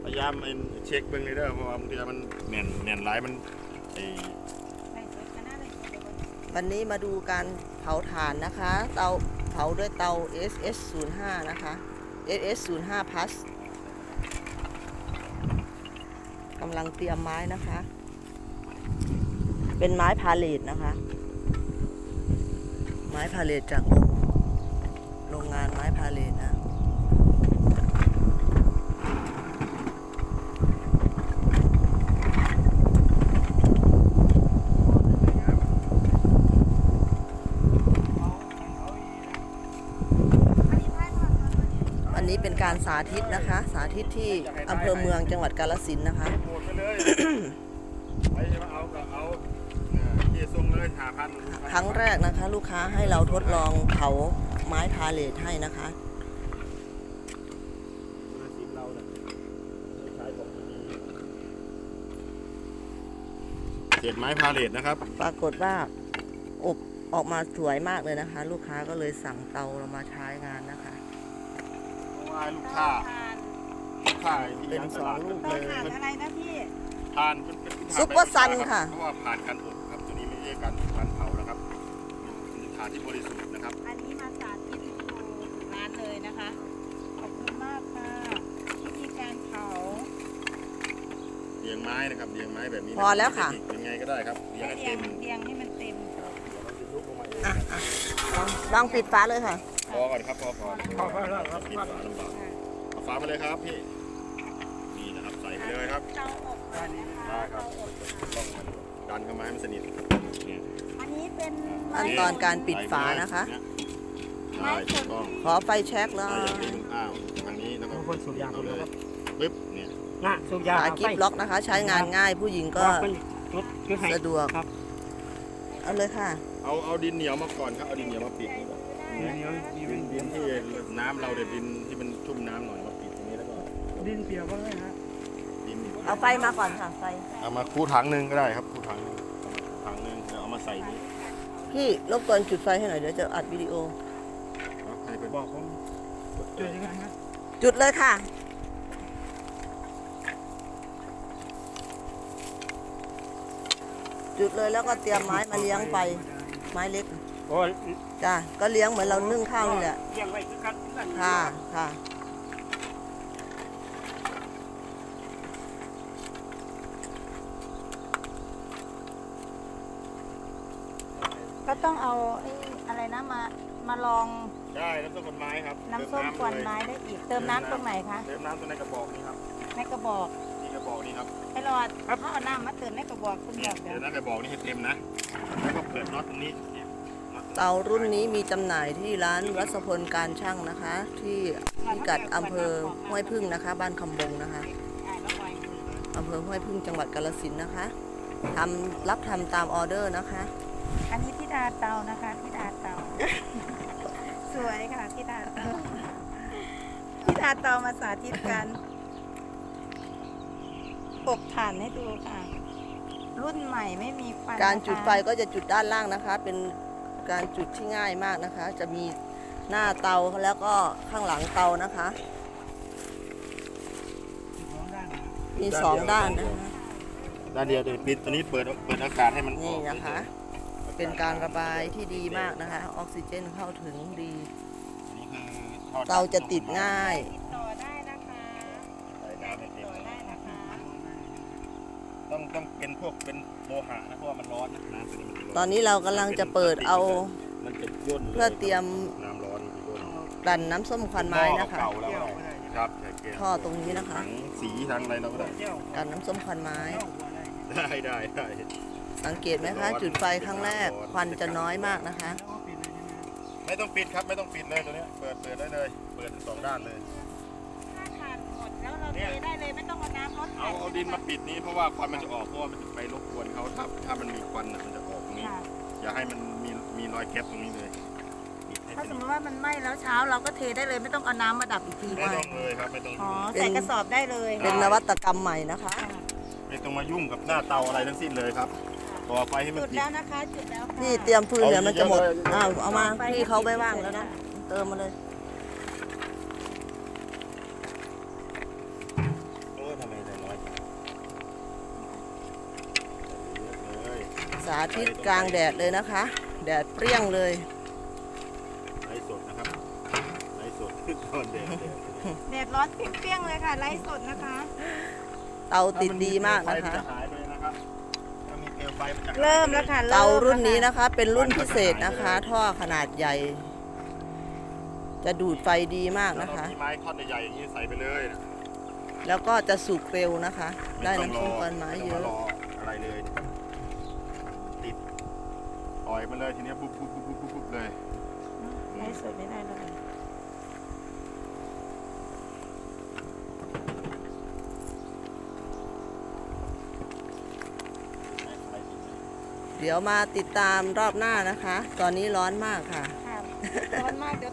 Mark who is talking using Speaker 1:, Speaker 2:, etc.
Speaker 1: พยายามเช็คเบื้องในเด้อเพราะว่าบางทีมันแน่นหลายมัน
Speaker 2: วันนี้มาดูการเผาถ่านนะคะเตาเผาด้วยเตา SS05 นะคะ SS05 Plus กำลังเตรียมไม้นะคะ เป็นไม้พาเลทนะคะ ไม้พาเลทจากโรงงานไม้พาเลทนะอันนี้เป็นการสาธิตนะคะ สาธิตที่อำเภอเมืองจังหวัดกาฬสินธุ์นะคะครั้งแรกนะคะ ลูกค้าให้เราทดลองเผาไม้พาเลทให้นะคะ
Speaker 1: เศษไม้พาเลทนะครับ
Speaker 2: ปรากฏว่าอบออกมาสวยมากเลยนะคะ ลูกค้าก็เลยสั่งเตาเรามาใช้งานนะคะ
Speaker 1: เพราะว่าลูกค้า
Speaker 2: เป็น2 ลูกเลย
Speaker 3: อะไรนะพี่
Speaker 1: ทาน
Speaker 2: ซุปเปอร์ซันค่ะ
Speaker 1: เพราะว่าผ่านการอบครับตัวนี้ไม่ใช่การเผานะครับเป็นทานที่บริสุทธิ์นะครับ
Speaker 3: อันนี้มาสาธิตให้ดูถึงร้านเลยนะคะขอบคุณมากค่ะวิธีการเผา
Speaker 1: เรียงไม้นะครับเรียงไม้แบบนี้
Speaker 2: พอแล้วค่ะ
Speaker 1: ยังไงก็ได้ครับเรียงให้เต็ม
Speaker 3: เรียงให้มันเต็ม
Speaker 2: ลองปิดฝาเลยค่ะ
Speaker 1: พอก่อนครับพอแล้วครับปิดฝาลำบากเอาฝามาเลยครับพี่นี่นะครับใส่ไปเลยครับ
Speaker 3: เตาอบ
Speaker 1: ได้ครับต้องดันเข้ามาให้มันสนิท
Speaker 3: อันนี้เป็น
Speaker 2: ขั้นตอนการปิดฝานะคะ
Speaker 1: ได้ถูกต้อง
Speaker 2: ขอไฟแช็กแล้ว
Speaker 1: ทางนี้แล้วก็เอาเลยปึ๊บเนี่ย
Speaker 2: ฝากิ๊บล็อกนะคะ ใช้งานง่ายผู้หญิงก็สะดวกเอาเลยค่ะ
Speaker 1: เอาดินเหนียวมาก่อนครับเอาดินเหนียวมาปิดดินที่น้ำเราเด็ดดินที่มันชุ่มน้ำหน่อยมาปิดตรงนี้แล้วก็
Speaker 4: ดินเปียกบ้างไหมฮะ
Speaker 2: เอาไฟมาก่อนค่ะไฟ
Speaker 1: เอามาคู่ถังนึงก็ได้ครับคู่ถังนึงเดี๋ยวเอามาใส่นี่
Speaker 2: พี่รบกวนจุดไฟให้หน่อยเดี๋ยวจะอัดวิดีโอ
Speaker 1: ให้ไป
Speaker 4: บอกผมจุดยังไงฮะ
Speaker 2: จุดเลยค่ะจุดเลยแล้วก็เตรียมไม้มาเลี้ยงไปไม้เล็กจ้าก็เลี้ยงเหมือนเรานึ่งข้าวนี่แหละ
Speaker 4: เลี้ยงไว้คือกัน
Speaker 2: ค่ะค่ะ
Speaker 3: ก็ต้องเอาอะไรนะมาลอง
Speaker 1: ได้น้ำส้มควันไม้ครับ
Speaker 3: น้ำส้มควันไม้ได้อีกเติมน้ำตรงไหนคะ
Speaker 1: เติมน้ำตรงในกระบอกนี้ครับ
Speaker 3: ในกระบอก
Speaker 1: นี่กระบอกนี้ครับ
Speaker 3: ให้รอดเขาเอาน้ำมาเติมในกระบอกคุณบอก
Speaker 1: เดี๋ยวน้ำกระบอกนี้ให้เต็มนะแล้วก็เปิดน็อตตรงนี้
Speaker 2: เตารุ่นนี้มีจำหน่ายที่ร้านวัสพลการช่างนะคะ ที่พิกัดอำเภอห้วยพึ่งนะคะ บ้านคำบงนะคะอำเภอห้วยพึ่งจังหวัดกาฬสินธุ์นะคะรับทำตามออเดอร์นะคะ
Speaker 3: อันนี้ธิดาเตานะคะธิดาเตาสวยค่ะธิดาเตามาสาธิตกันอบถ่านให้ดูค่ะรุ่นใหม่ไม่มีควัน
Speaker 2: การจุดไฟก็จะจุดด้านล่างนะคะ เป็นการจุดที่ง่ายมากนะคะ จะมีหน้าเตาแล้วก็ข้างหลังเตานะคะมี2 ด้านนะคะ
Speaker 1: ด้านเดียวปิดตัวนี้เปิดอากาศให้มันออก
Speaker 2: นี่นะคะเป็นการระบายที่ดีมากนะคะออกซิเจนเข้าถึงดีเตาจะติดง่าย
Speaker 3: ต่อได้นะคะ
Speaker 1: ต้องเป็นพวกเป็นโลหะนะเพราะว่ามันร้อนนะน้ำตัวนี้
Speaker 2: ตอนนี้เรากำลังจะเปิดเอาเพื่อเตรียม
Speaker 1: น้ำร้อน
Speaker 2: ดันน้ำส้มควันไม้นะคะ
Speaker 1: ครับ
Speaker 2: ท่อตรงนี้นะคะ
Speaker 1: ทั้งสีทั้งอะไรเราก็ได้
Speaker 2: ดันน้ำส้มควันไม้
Speaker 1: ได้
Speaker 2: สังเกตไหมคะจุดไฟครั้งแรกควันจะน้อยมากนะคะ
Speaker 1: ไม่ต้องปิดครับไม่ต้องปิดเลยตัวนี้เปิดได้เลยเปิด2 ด้านเลย
Speaker 3: ถ้าถ่านหมดแล้วเราเทได้เลยไม่ต้องเอาน้ำลด
Speaker 1: เอาดินมาปิดนี้เพราะว่าควันมันจะออกเพราะว่ามันจะไปรบกวนเขาถ้ามันมีควันมันจะออกตรงนี้อย่าให้มันมีรอยแก๊ปตรงนี้เลย
Speaker 3: ถ้าสมมติว่ามันไหม้แล้วเช้าเราก็เทได้เลยไม่ต้องเอาน้ำมาดับอีกที
Speaker 1: ไม่ต้องเลยครับไม่ต้อง
Speaker 3: ใส่กระสอบได้เลย
Speaker 2: เป็นนวัตกรรมใหม่นะคะ
Speaker 1: ไม่ต้องมายุ่งกับหน้าเตาอะไรทั้งสิ้นเลยครับต่อไฟให้มัน
Speaker 3: จุดแล้วนะคะจุดแล้ว
Speaker 2: นี่เตรียมฟืนเดี๋ยวมันจะหมดเอามาพี่เขาไม่ว่างแล้วนะเติมมาเลย
Speaker 1: โอ้ท
Speaker 2: สาธิตกลางแดดเลยนะคะ แดดเปรี้ยงเลย
Speaker 1: ไลฟ์สดนะครับไลฟ์สดขึ้นตอนแดด
Speaker 3: แดดร้อนเปรี้ยงๆเลยค่ะไลฟ์สดนะคะ
Speaker 2: เตาติดดีมากนะคะ
Speaker 1: จะหายไปนะครับถ้ามีเปลวไฟมันจะหายไป
Speaker 3: เริ่มแล้วค่ะ
Speaker 2: เตารุ่นนี้นะคะ เป็นรุ่นพิเศษนะคะ ท่อขนาดใหญ่ จะดูดไฟดีมาก
Speaker 1: แล้ว
Speaker 2: นะ
Speaker 1: เรา
Speaker 2: คะ
Speaker 1: มีไม้ท่อนใหญ่ๆอย่างนี้ใส่ไปเลยนะ
Speaker 2: แล้วก็จะสุกเร็วนะคะ ได้
Speaker 1: ม่ต้
Speaker 2: น้ำ
Speaker 1: อง
Speaker 2: ส้มควันไม้เย
Speaker 1: ต้ง
Speaker 2: อะ
Speaker 1: รออะไรเลยติดปล่อยมันเลยทีเนี้ยบุ๊บบุ๊บบุ๊บบุ๊บบุ๊บเลย
Speaker 3: ไลฟ์สดไม่ได้แล้วค่ะ
Speaker 2: เดี๋ยวมาติดตามรอบหน้านะคะ ตอนนี้ร้อนมากค่ะ
Speaker 3: ค่ะร้อนมากเดี๋ยว